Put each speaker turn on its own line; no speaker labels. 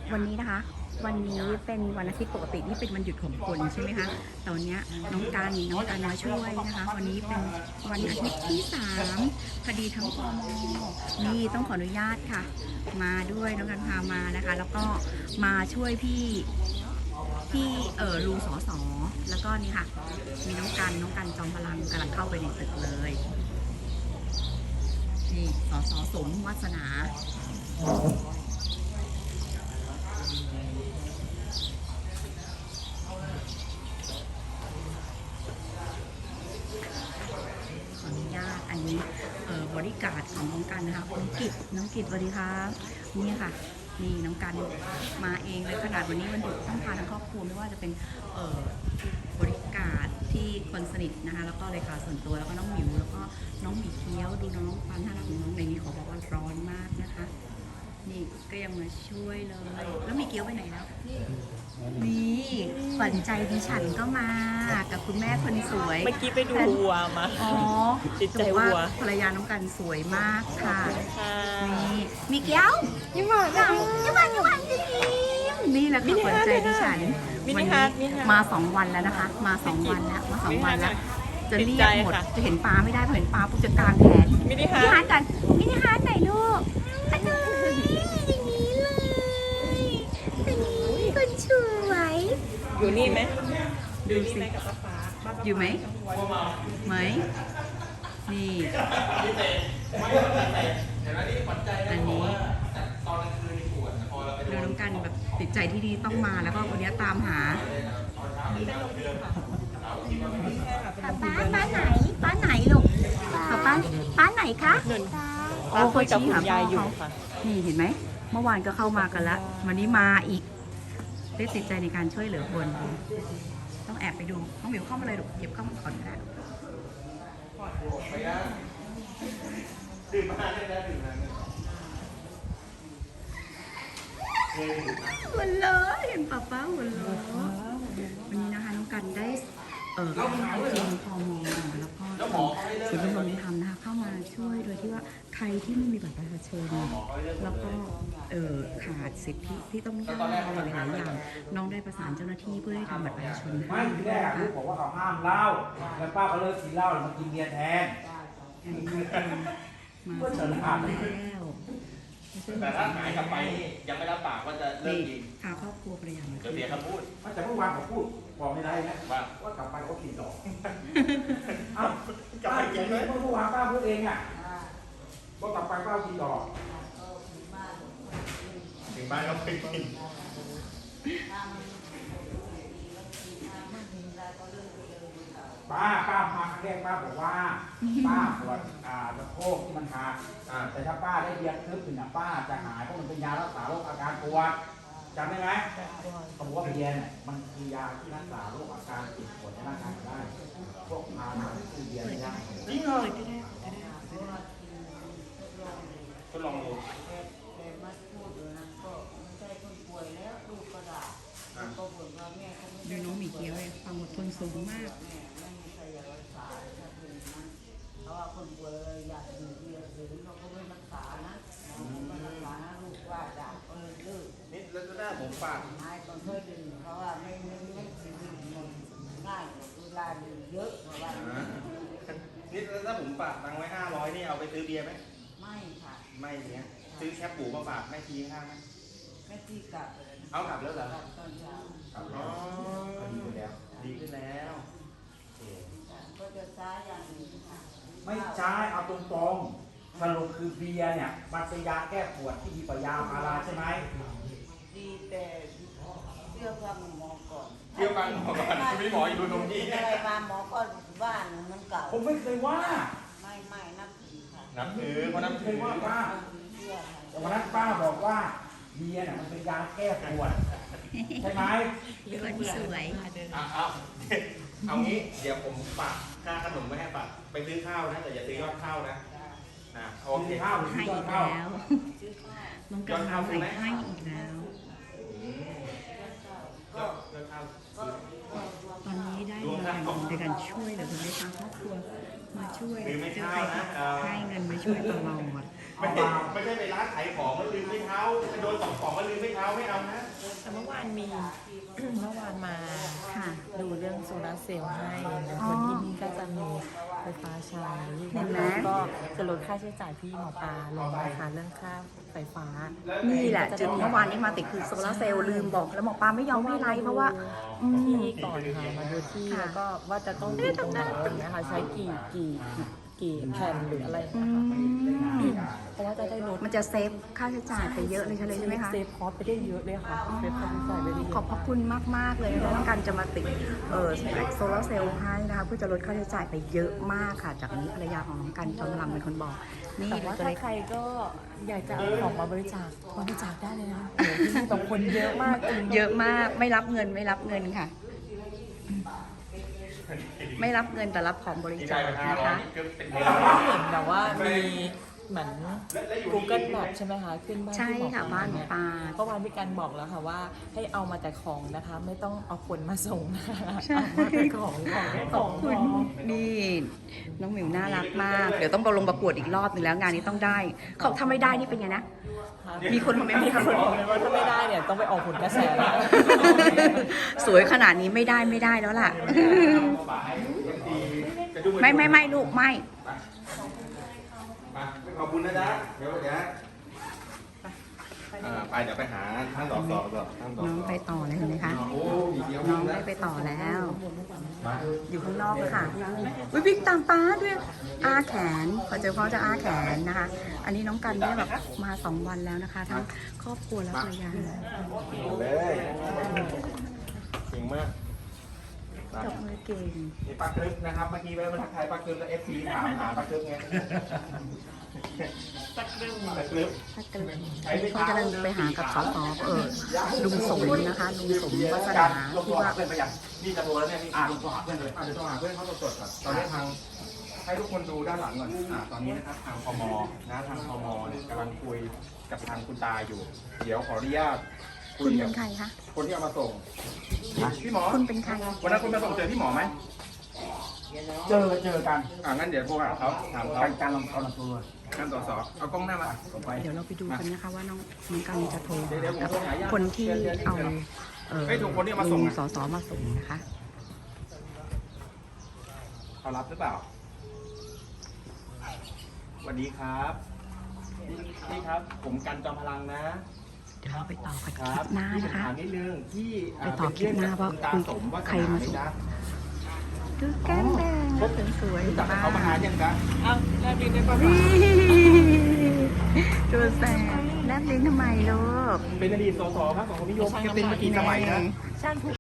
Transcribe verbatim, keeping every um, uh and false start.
วันนี้นะคะวันนี้เป็นวันอาทิตย์ปกตินี่เป็นวันหยุดของคนใช่ไหมคะตอนนี้น้องการน้องการมาช่วยนะคะวันนี้เป็นวันอาทิตย์ที่สามพอดีทั้งพมนี่ต้องขออนุญาตค่ะมาด้วยน้องการพามานะคะแล้วก็มาช่วยพี่พี่เออลุงสอสอแล้วก็นี่ค่ะมีน้องกันน้องกันจอมพลังกำลังเข้าไปในตึกเลยนี่สอสอสมวาสนาอันนี้เอ่อบริการของน้องกันนะคะน้องกิจน้องกิจสวัสดีครับนี่ค่ะนี่น้องกันมาเองเลยขนาดวันนี้วันหยุดต้องพาทั้งครอบครัวไม่ว่าจะเป็นเอ่อบริการที่คนสนิทนะคะแล้วก็เลขาส่วนตัวแล้วก็น้องหมิวแล้วก็น้องหมีเคี้ยวดูน้องความน่ารักของน้องในนี้ขอบอกว่าร้อนมากนะคะนี่ก็ยังมาช่วยเลยแล้วหมีเคี้ยวไปไหนแล้วนี่ฝันใจดิฉันก็มากับคุณแม่คนสวย
เมื่อกี้ไปดูวัวมา
อ๋อ
ติดใจวัว
ภรรยาน้องกันสวยมากค่ะนี่มีเกี้ยวยิ้มหวานยิ้มหวานยิ้มหวานยิ้มนี่แหละค่ะฝันใจดิฉันวันนี้มาสองวันแล้วนะคะมาสองวันแล้วมาสองวันแล้วจะเรียกหมดจะเห็นปลาไม่ได้พอเห็นปลาปุ๊บจะกางแขนมินิฮาร์ดกันมินิฮาร์ดไหนลูกอันนี้อย่างนี้เลยอันนี้คนสวย
อยู่นี่ไหม
ดูสิอยู่ไหมไหมนี่อันนี้ดูน้องกันแบบติดใจที่ดีต้องมาแล้วก็วันนี้ตามหาป้าป้าไหนป้าไหนลูกป้าป้าป้าไหนคะ
ป้าคุยกับคุณยายอยู่ค่ะ
นี่เห็นไหมเมื่อวานก็เข้ามากันแล้ววันนี้มาอีกได้ติดใจในการช่วยเหลือคนต้องแอบไปดูน้องหมิวเข้ามาเลยลูกเก็บเข้ามาก่อนก็ได้ดื่มมาได้แล้วดื่มมาหัวเราะเห็นป้าป้าหัวเราะวันนี้นะคะน้องกันได้เออทีมพมแล้วก็ศูนย์ดำรงธรรมนะคะเข้ามาช่วยโดยที่ว่าใครที่ไม่มีบัตรประชาชนแล้วก็เออขาดสิทธิที่ต้องได้อะไรหลายอย่างน้องได้ประสานเจ้าหน้าที่เพื่อให้ทำบัตรประชาชนให้ด้วยนะคะ
ลูกบอกว่าเขาห้ามเหล้าแล้วป้าก็เลิกกินเหล้าแล้วมากินเบียร์แทน
มาสองวันแล้ว
แต่ถ้าหายกลับไปนี่ยังไม่รับปากว่าจะเลิกกิน
พาครอบครัวภรรยามา
เดี๋ยวเบียร์เขาพูด
แต่เมื่อวานเขาพูดบอกไม่ได้นะว่าว่ากลับไปเขากินต่ออ้าวกลับไปกินเลยเมื่อวานป้าพูดเองอ่ะว่ากลับไปป้ากินต่อ
ถึงบ้านก็ไปกิน
ป้าป้ามาครั้งแรกป้าบอกว่าป้าปวดอ่าสะโพกที่มันหักแต่ถ้าป้าได้เบียร์ทึบถึงอ่ะป้าจะหายเพราะมันเป็นยารักษาโรคอาการปวดจำได้ไหมเขาบอกว่าเบียร์เนี่ยมันคือยาที่รักษาโรคอาการเจ็บปวดในร่างกายได้พวกพาราคือเบียร์ไม่ได้
จริงเลย
ทดลองดู
ดูน้องหมีเกี๊ยวเลยความอดทนสูงมาก
เพราะว่าคนป่วยอยากดื่มเบียร์หรือเขาก็ไม่รักษานะไม่รักษาลูกว่าด่าก็เลยเลิก
นี่แล้วก็ได้ผมฝาก
หายตอนเคยดื่มเพราะว่าไม่ไม่ไม่ดื่มง่ายเวลาดื่มเยอะเพราะว่า
นี่แล้วถ้าผมฝากตังไว้ห้าร้อยนี่เอาไปซื้อเบียร์ไหม
ไม่ค่ะ
ไม่เนี้ยซื้อแคปหมูมาฝากแม่ทีห้าไหม
แม่ที่กลับ
เอากลับแล้วเหรอ
ตอนเช้า
อ๋อดีขึ้นแล้วดีขึ้นแล้ว
ก็จะใช้อย่างนี้ค่ะ
ไม่ใช่เอาตรงๆสรุปคือเบียร์เนี่ยมันเป็นยาแก้ปวดที่ดีกว่ายาพาราใช่ไหม
ดีแต่เชื่อฟังหมอก่อน
เชื่อฟังหมอก่อนพี่หมออยู่ตรงนี้
อะไรมาหมอก็บ้านมันเก่า
ผมไม่เคยว่า
ไม่ไม่นับถือค่ะ
นับถือเพราะนับถือ
ว่าป้าแต่วันนั้นป้าบอกว่าเบียร์เนี่ยมันเป็นยาแก้ปวดใช่ไหม
คนสวย
เอาเอางี้เดี๋ยวผมฝากค่าขนมไม่ให้ฝากไปซื้อข้าวนะแต่อย่าซื้อยอดข้าวนะนะโอเค
ข้าว
ให้อีกแล้วน้องกันเอาใส่ให้อีกแล้วตอนนี้ได้เงินในการช่วยเหลือคนในทางครอบครัวมาช่วยเจอใครให้เงินมาช่วยตลอด
ไม่ใช่ไม่ใช่ไปร้านขายของแล้วลืมไม่เท้าไปโดนสองของแล้วลืมไม่เท้าไม่เอานะ
แต่เมื่อวานมี เมื่อวานมา
ค่ะ
ดูเรื่องโซลาร์เซลล์ให้นะ
อ๋อ
คนที่นี่ก็จะมีไฟฟ้าใช้
เห็นไหม
แล้วก็จะลดค่าใช้จ่ายที่หมอปลาลงนะคะเรื่องค่าไฟฟ้า
นี่แหละจุดเมื่อวานนี้มาติดคือโซลาร์เซลล์ลืมบอกแล้วหมอปลาไม่ยอมให้ไลฟ์เพราะว่าอืม
ที่ก่อนค่ะมาดูที่
ค่ะ
แล้วก็ว่าจะต้องดูตรงไหนนะคะใช้กี่กี่กี่แผ่นหรืออะไร
อื
นะคะ
ม
เพราะว่าจะได้ลด
มันจะเซฟค่าใช้จ่ายไปเยอะเลยใช่ไหมคะ
เซฟคอสไปได้เยอะเลยค่ะเซฟค่าใช้จ่ายไปได้เย
ขอบ
อะ
พระคุณมาก ๆ เลยนะคะการจะมาติดเออโซลาร์เซลล์ให้นะคะเพื่อจะลดค่าใช้จ่ายไปเยอะมากค่ะ จากนี้ภรรยาของน้องกันจอมพลังเป็นคนบอก นี่
แต่
เรา
ว่า
จะ
ถ้า
ได้
ใครก็อยากจะเอาของมาบริจาคบริจาคได้เลยนะโอ้โหที่นี่แบบคนเยอะมากจริง
เยอะมากไม่รับเงินไม่รับเงินค่ะ ไม่รับเงินแต่รับของบริจาคนะคะ
เห็นแบบว่ามีเหมือน Google Map ใช่ไหมคะขึ้นบ้าน
ใช่
ที่หมอ
ค่ะบ้านหมอปลา
เมื่อวานพี่กันบอกแล้วค่ะว่าให้เอามาแต่ของนะคะ ไม่ต้องเอาคนมาส่งนะคะ
ใช่
เอามาแต่ของของแค่
ข
ข
อ
อบ ง
คุณนี่น้องหมิวน่ารักมาก เดี๋ยวต้องไปลงประกวดอีกรอบหนึ่งแล้วงานนี้ต้องได้เขาถ้าไม่ได้นี่เป็นไงนะ มีคนมาเมนต์
มี
มี
ค
คน น
บอกเลยว่าถ้าไม่ได้เนี่ยต้องไปออกผลกระแสแล้ว
สวยขนาดนี้ไม่ได้ไม่ได้แล้วล่ะ ไม่ไม่ไม่ลูกไม่
มาขอบคุณนะจ๊ะเดี๋ยวเดี๋ยวอ่าไปเดี๋ยวไปหาท่านสอสอก่อนท่านสอ
น้อง
สอ
ไปต่อเลยเห็นไหมคะ
โอ้มีเดียว
น้องได้ไปต่อแล้ว อยู่ข้างนอกเลยค่ะวิบิ๊กตามป้าด้วยอาแขนพอเจอพ่อจะอาแขนนะคะ อันนี้น้องกันเนี่ยแบบมาสองวันแล้วนะคะ ทั้งครอบครัวและภรรยา
เลยเก่งมาก
จบมือเก่ง
นี่ปักกรึกนะครับ เมื่อกี้แวะมาทักทายปักกรึกแล้วเอฟซีถามหาปักกรึกไงปักกรึกปักกรึก
ถ้าเกิดเขาจะเดินไปหากับสสเออลุงสมนะคะลุงสมวัฒนา
ลง
ที่
ตัวหา
ว่า
เพื่อนไปยังนี่จะโทรแล้วเนี่ยนี่อ่าลงตัวหาเพื่อนเลยอ่าเดี๋ยวโทรหาเพื่อนเขาสดๆก่อนตอนนี้ทางให้ทุกคนดูด้านหลังก่อนอ่าตอนนี้นะครับทางพมนะทางพมเนี่ยกำลังคุยกับทางคุณตาอยู่ เดี๋ยวขออนุญาตคุ
คุ
ย
ณ
กั
เป็
บ
นใครคะ
คนที่เอามาส่งพี่หมอ
คุณเป็นใคร
วันนั้นคุณมาส่งเจอพี่หมอไหม
เจอเจอกัน
อ่างั้นเดี๋ยวโทรหาเขาถามเขา
การการลองเอาลองตัว
การตรวจสอบเอากล้องหน้ามา
ไป
เดี๋ยวเราไปดูกันนะคะว่าน้องน้องกันจะโทร
เดี๋ยวเดี๋ยวผม
กับ
โทรหาญาติ
คนที่เอาเออ
เฮ้ยถูกคนที่เอามาส่ง
ลุ
อะ
สสมาส่งนะคะ
เขารับหรือเปล่าสวัสดีครับนี่นี่ครับ ผมกันจอมพลังนะ
เดี๋ยวเราไปต่อกัน
ค
ค
รั
ลิ
บ
ปหน้า
ที่ผม
นะคะ
ถามนิดนึงที่
ไปต่อคลิปหน้าว่า
คุณตา
คุย
สมว่า
ใครมาส่ง ดูแก้มแดงสวย
รู้
ๆ
จักกับ
มาก
เขามานานยังจ๊ะ
อ้าวแลบลิ้นได้ปะ
ตัวแสบแลบลิ้นทำไมลูก
เป็นอดีตสสพรรคสังคมนิยมแกเป็นมากี่สมัยนะ
ช่างทุก